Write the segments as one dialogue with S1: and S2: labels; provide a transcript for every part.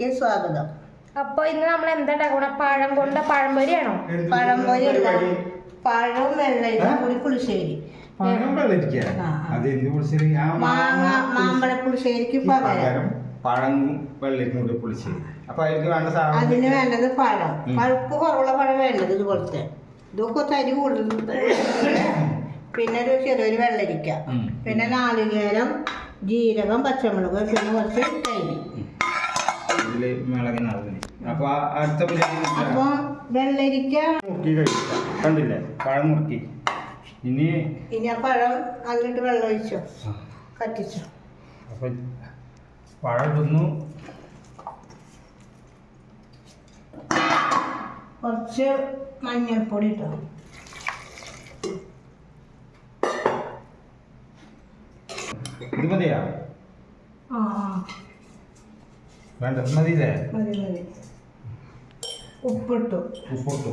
S1: ചാനലിലേക്ക് സ്വാഗതം.
S2: അപ്പൊ ഇന്ന് നമ്മൾ എന്താ ഉണ്ടാക്കണ? പഴം കൊണ്ട് പഴംപൊരിയാണോ?
S1: പഴംപൊരി അല്ല, പഴവും വെള്ളരിക്കും കൂടി പുളിശ്ശേരി. മാമ്പഴ പുളിശ്ശേരിക്ക് പകരം
S3: പഴം വെള്ളരിക്കും കൂടി പുളിശ്ശേരി. അപ്പൊ
S1: അതിന് വേണ്ടത് പഴം, പഴുപ്പ് കുറവുള്ള പഴം വേണ്ടത്. ഇതുപോലത്തെ ഇതൊക്കെ തരി കൂടുതൽ. പിന്നെ ഒരു ചെറിയൊരു വെള്ളരിക്ക, പിന്നെ നാളികേരം, ജീരകം, പച്ചമുളക്, പിന്നെ കുറച്ച് തൈര്.
S3: അപ്പൊ
S1: വെള്ളരിക്ക
S3: മുറുക്കി കഴിക്കാം. കണ്ടില്ലേ പഴം മുറുക്കി. ഇനി
S1: ആ പഴം അതിലിട്ട് വെള്ളം ഒഴിച്ചോ, കത്തിച്ചോ.
S3: അപ്പൊ പഴം ഇടുന്നു.
S1: കുറച്ച് മഞ്ഞൾപ്പൊടി ഇട്ടോ.
S3: ഇത് മതിയാ?
S1: ആ
S3: വേണ്ട, മതിയില്ലേ?
S1: മതി മതി. ഉപ്പിട്ടു.
S3: ഉപ്പിട്ടു.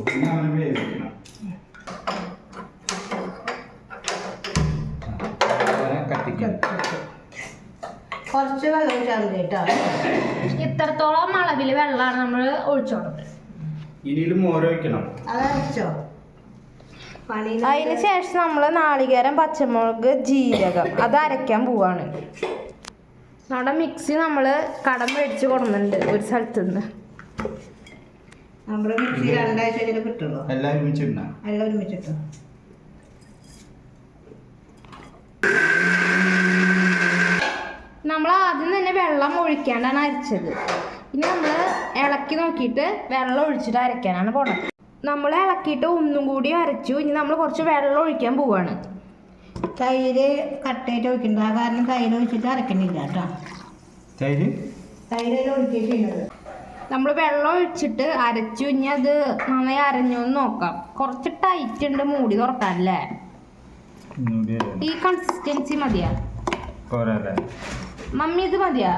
S1: കുറച്ച് വെള്ളം ഒഴിച്ചാൽ മതി കേട്ടോ.
S2: ഇത്രത്തോളം അളവില് വെള്ളമാണ് നമ്മൾ ഒഴിച്ചോടുന്നത്.
S3: ഇനിയിലും മോര് ഒഴിക്കണം.
S1: അതരച്ചോ.
S2: അതിന് ശേഷം നമ്മൾ നാളികേരം, പച്ചമുളക്, ജീരകം അത് അരയ്ക്കാൻ പോവാണ്. നമ്മുടെ മിക്സി നമ്മൾ കടം മേടിച്ച് കൊടുക്കുന്നുണ്ട് ഒരു സ്ഥലത്ത് നിന്ന്.
S1: നമ്മുടെ മിക്സി രണ്ടാഴ്ച കിട്ടുള്ളൂ.
S3: എല്ലാം ഒരുമിച്ചിട്ടോ.
S1: എല്ലാം ഒരുമിച്ചിട്ടോ.
S2: നമ്മൾ ആദ്യം തന്നെ വെള്ളം ഒഴിക്കാണ്ടാണ് അരച്ചത്. ഇനി നമ്മൾ ഇളക്കി നോക്കിയിട്ട് വെള്ളം ഒഴിച്ചിട്ട് അരയ്ക്കാനാണ് പോണത്. നമ്മൾ ഇളക്കിയിട്ട് ഒന്നും കൂടി അരച്ചു. ഇനി നമ്മൾ കുറച്ച് വെള്ളം ഒഴിക്കാൻ പോവാണ്.
S1: തൈര് കട്ടയിട്ട് ഒഴിക്കണ്ട, കാരണം തൈര് ഒഴിച്ചിട്ട് അരക്കണില്ല കേട്ടോ. തൈര് ഒഴിക്കുന്നത്
S2: നമ്മൾ വെള്ളം ഒഴിച്ചിട്ട് അരച്ചു. ഇനി അത് നന്നായി അരഞ്ഞു എന്ന് നോക്കാം. കുറച്ച് ടൈറ്റ് ഉണ്ട് മൂടി തുറക്കാനല്ലേ? ഈ കൺസിസ്റ്റൻസി മതിയാ മമ്മി? ഇത് മതിയാ?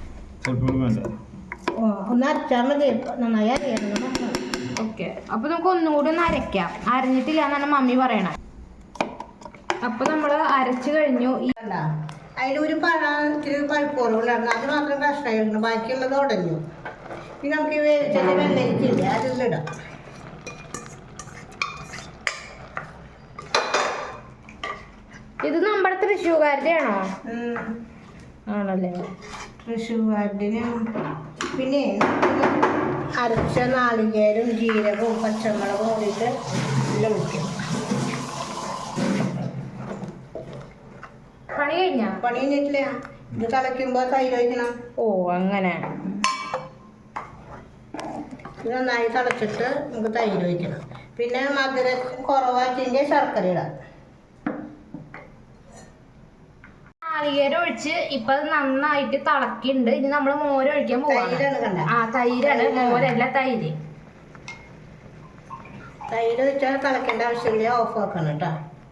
S1: ഒന്ന് അരച്ചാൽ മതി, നന്നായി അറിയണം.
S2: ഓക്കെ, അപ്പൊ നമുക്ക് ഒന്നും കൂടി ഒന്ന് അരയ്ക്കാം. അരഞ്ഞിട്ടില്ല എന്നാണ് മമ്മി പറയണത്. അപ്പൊ നമ്മൾ അരച്ചു കഴിഞ്ഞു.
S1: അതിലൊരു പഴത്തിന് പഴുപ്പുറവുണ്ടായിരുന്നു, അത് മാത്രം കഷ്ണമായിരുന്നു, ബാക്കിയുള്ളത് ഉടഞ്ഞു. പിന്നെ നമുക്ക് വേവിച്ചത് വെള്ളരിക്കില്ലേ, അതിലിടാം.
S2: ഇത് നമ്മുടെ തൃശ്ശൂർക്കാരുടെ ആണോ? ആണല്ലേ,
S1: തൃശ്ശൂർക്കാരുടെ. പിന്നെ അരച്ച നാളികേരും ജീരകവും പച്ചമുളകും കൂടിയിട്ട് എല്ലാം ഒഴിക്കും.
S2: പണി
S1: കഴിഞ്ഞിട്ടില്ല. ഇത് തിളയ്ക്കുമ്പോൾ തൈര് ഒഴിക്കണം.
S2: ഓ അങ്ങനെ.
S1: ഇത് നന്നായി തിളച്ചിട്ട് നമുക്ക് തൈര് ഒഴിക്കണം. പിന്നെ മധുരം കുറവാക്കിൻ്റെ ശർക്കര ഇടാം.
S2: നാളികേരം ഒഴിച്ച് ഇപ്പൊ അത് നന്നായിട്ട് തിളക്കിണ്ട്. ഇനി നമ്മൾ മോര് ഒഴിക്കാൻ പോവാണ്. ആ തൈരാണ്, മോരല്ല തൈര്.
S1: തൈര് ഒഴിച്ചാൽ തിളക്കേണ്ട ആവശ്യമില്ല, ഓഫ് ആക്കണം കേട്ടോ.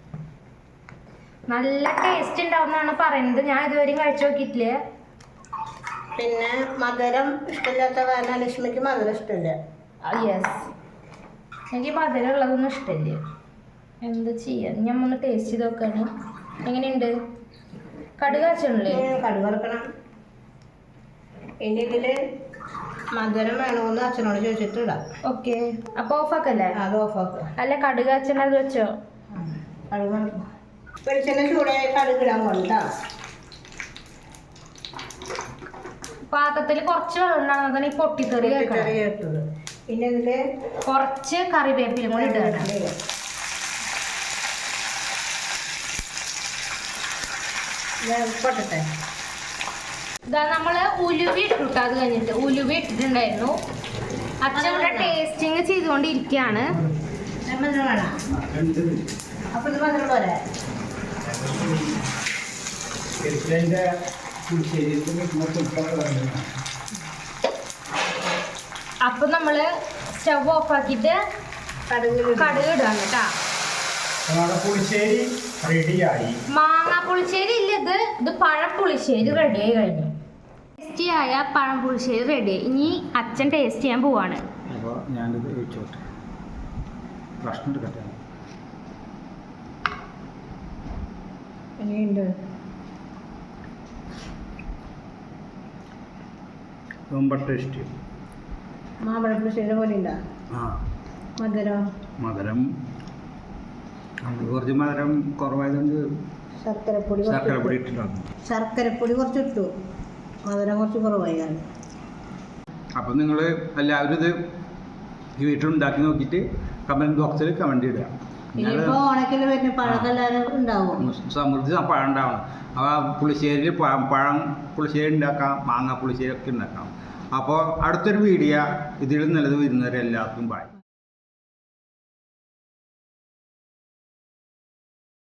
S2: നല്ല ടേസ്റ്റ് ഉണ്ടാവുന്നാണ് പറയുന്നത്. ഞാൻ ഇതുവരെയും കഴിച്ചു നോക്കിയിട്ടില്ലേ.
S1: പിന്നെ മധുരം ഇഷ്ടമില്ലാത്ത കാരണം ലക്ഷ്മിക്ക് മധുരം ഇഷ്ടമില്ല.
S2: യെസ്, എനിക്ക് മധുരം ഉള്ളതൊന്നും ഇഷ്ടമില്ല. എന്താ ചെയ്യാ, ഞാൻ ഒന്ന് ടേസ്റ്റ് ചെയ്ത് നോക്കാണ്. എങ്ങനെയുണ്ട്? കടുക് വെച്ചല്ലേ?
S1: കടുക് വറുക്കണം. ഇനി ഇതില് മധുരം വേണമെന്ന് അച്ഛനോട് ചോദിച്ചിട്ട് ഇടാം.
S2: ഓക്കെ, അപ്പൊ ഓഫാക്കല്ലേ?
S1: അത് ഓഫാക്കുക.
S2: അല്ല, കടുക് അച്ഛൻ അത് വെച്ചോ.
S1: കടുക് വറുക്കണം. വെളിച്ചെണ്ണ ചൂടായി കടുക് ഇടാൻ കൊണ്ടാ.
S2: പാത്രത്തിൽ കുറച്ച് വെള്ളം ഉണ്ടാകുന്ന ഈ പൊട്ടിത്തെറി
S1: കേട്ടത്. പിന്നെ ഇതില്
S2: കുറച്ച് കറിവേപ്പില കൂടി ഇടുകയാണ്.
S1: പൊട്ടട്ടെ.
S2: ഇതാ നമ്മള് ഉലുവ ഇട്ടിട്ട്, അത് കഴിഞ്ഞിട്ട് ഉലുവ ഇട്ടിട്ടുണ്ടായിരുന്നു. അച്ഛൻ ഇവിടെ ടേസ്റ്റിങ് ചെയ്തുകൊണ്ടിരിക്കുകയാണ്.
S1: അപ്പൊ ഇത് മധുരം പോലെ
S2: അപ്പൊ നമ്മള് സ്റ്റവ് ഓഫ് ആക്കിയിട്ട് കടുക് ഇടാണ് കേട്ടാ.
S3: പുളിശ്ശേരി റെഡിയായി.
S2: മാങ്ങാ പുളിശ്ശേരി ഇല്ല, ഇത് പഴപ്പുളിശ്ശേരി റെഡിയായി കഴിഞ്ഞു. ടേസ്റ്റിയായ പഴം പുളിശ്ശേരി റെഡി. ഇനി അച്ഛൻ ടേസ്റ്റ് ചെയ്യാൻ പോവാണ്.
S3: അപ്പോൾ ഞാനിത് ഒഴിച്ചോട്ടെ. പ്രശ്നം എടുക്കട്ടെ.
S1: എങ്ങനെയുണ്ട്?
S3: ரொம்ப ടേസ്റ്റ്.
S1: മാമ്പഴപ്പുളിശ്ശേരി പോലെ ഉണ്ടോ?
S3: ആ
S1: മധുരം
S3: മധുരം കുറച്ച് മധുരം കുറവായതുകൊണ്ട്
S1: ശർക്കരപ്പൊടി
S3: ശർക്കരപ്പൊടി ഇട്ടിട്ടാണ്.
S1: ശർക്കരപ്പൊടി കുറച്ച് ഇട്ടു, മധുരം കുറച്ച് കുറവായി കാരണം.
S3: അപ്പം നിങ്ങൾ എല്ലാവരും ഇത് ഈ വീട്ടിലുണ്ടാക്കി നോക്കിയിട്ട് കമൻറ്റ് ബോക്സിൽ കമൻറ്റ് ഇടുക.
S1: ഇനിയിപ്പോ ഓണക്കിൽ വരുന്ന പഴക്കെല്ലാവരും ഉണ്ടാവും.
S3: സമൃദ്ധി പഴം ഉണ്ടാവണം. അപ്പോൾ പുളിശ്ശേരിയിൽ പഴം പുളിശ്ശേരി ഉണ്ടാക്കാം, മാങ്ങ പുളിശ്ശേരി ഒക്കെ ഉണ്ടാക്കാം. അപ്പോൾ അടുത്തൊരു വീഡിയോ ഇതിൽ നല്ലത് വരുന്നവരെ എല്ലാവർക്കും ബൈ.